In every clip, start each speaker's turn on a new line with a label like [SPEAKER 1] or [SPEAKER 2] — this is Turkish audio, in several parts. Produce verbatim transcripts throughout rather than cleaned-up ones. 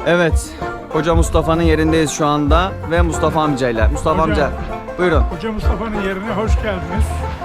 [SPEAKER 1] Evet, Hoca Mustafa'nın yerindeyiz şu anda ve Mustafa amcayla. Mustafa
[SPEAKER 2] Hocam,
[SPEAKER 1] amca, buyurun.
[SPEAKER 2] Hoca Mustafa'nın yerine hoş geldiniz.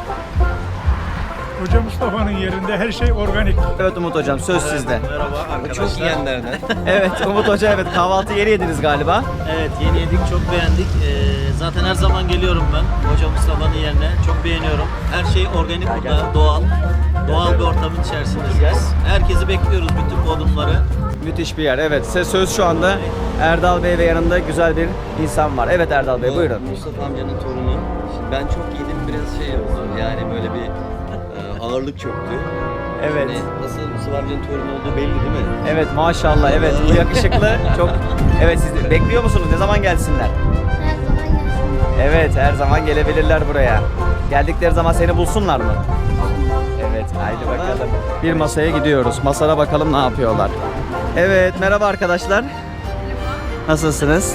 [SPEAKER 2] Hoca Mustafa'nın yerinde her şey organik.
[SPEAKER 1] Evet Umut hocam, söz sizde.
[SPEAKER 3] Merhaba arkadaşlar. Çok yiyenlerden.
[SPEAKER 1] Evet Umut hoca, evet kahvaltı yeri yediniz galiba.
[SPEAKER 3] Evet, yeni yedik, çok beğendik. Ee, zaten her zaman geliyorum ben Hoca Mustafa'nın yerine. Çok beğeniyorum. Her şey organik burada, doğal. Doğal bir ortamın içerisindeyiz. Herkesi bekliyoruz, bütün Bodrumları.
[SPEAKER 1] Müthiş bir yer, evet. Size söz şu anda Erdal Bey ve yanında güzel bir insan var. Evet Erdal Bey,
[SPEAKER 4] Bu
[SPEAKER 1] buyurun.
[SPEAKER 4] Mustafa amcanın torunu. Şimdi ben çok yedim, biraz şey oldu. Yani böyle bir e, ağırlık çöktü.
[SPEAKER 1] Evet.
[SPEAKER 4] Yani nasıl Mustafa amcanın torunu olduğu belli değil mi?
[SPEAKER 1] Evet maşallah, evet bu yakışıklı çok. Evet, siz de bekliyor musunuz? Ne zaman gelsinler?
[SPEAKER 5] Her zaman gelsin.
[SPEAKER 1] Evet, her zaman gelebilirler buraya. Geldikleri zaman seni bulsunlar mı? Evet, haydi bakalım. Bir masaya gidiyoruz. Masada bakalım ne yapıyorlar. Evet, merhaba arkadaşlar. Nasılsınız?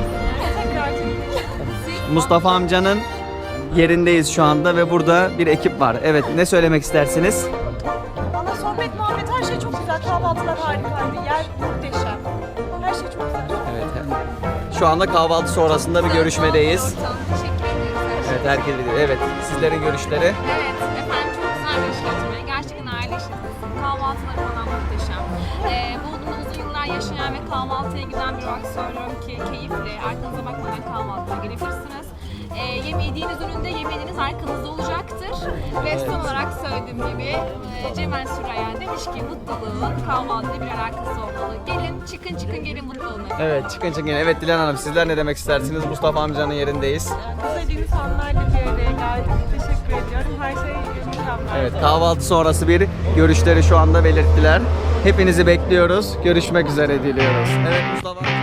[SPEAKER 1] Mustafa amcanın yerindeyiz şu anda ve burada bir ekip var. Evet, ne söylemek istersiniz?
[SPEAKER 6] Valla sohbet, muhabbet, her şey çok güzel. Kahvaltılar harikaydı. Yer muhteşem. Her şey çok güzel.
[SPEAKER 1] Evet. Şu anda kahvaltı sonrasında bir görüşmedeyiz.
[SPEAKER 7] Teşekkür ediyoruz.
[SPEAKER 1] Evet, herkes biliyor. Evet, sizlerin görüşleri.
[SPEAKER 7] Evet, efendim çok güzel bir işletme. Gerçekten aile işletmesi. Kahvaltıları falan muhteşem. Ee, Bodrum'da uzun yıllar yaşayan ve kahvaltıya giden bir olarak söylüyorum ki keyifli, arkanıza bakmadan kahvaltıya gelebilirsiniz. Ee, yeme yediğiniz üründe yemeğiniz arkanızda olacaktır. Ve son olarak söylediğim gibi e, Cemal Süreyya demiş ki mutluluğun kahvaltıyla bir alakası olmalı. Gelin, çıkın çıkın gelin mutlu olun.
[SPEAKER 1] Evet, çıkın çıkın. Evet Dilan Hanım, sizler ne demek istersiniz? Mustafa amcanın yerindeyiz.
[SPEAKER 6] Güzel insanlarla bir araya geldik. Teşekkür ediyorum. Her şey mükemmel.
[SPEAKER 1] Evet, kahvaltı sonrası bir görüşleri şu anda belirttiler. Hepinizi bekliyoruz. Görüşmek üzere diliyoruz. Evet Mustafa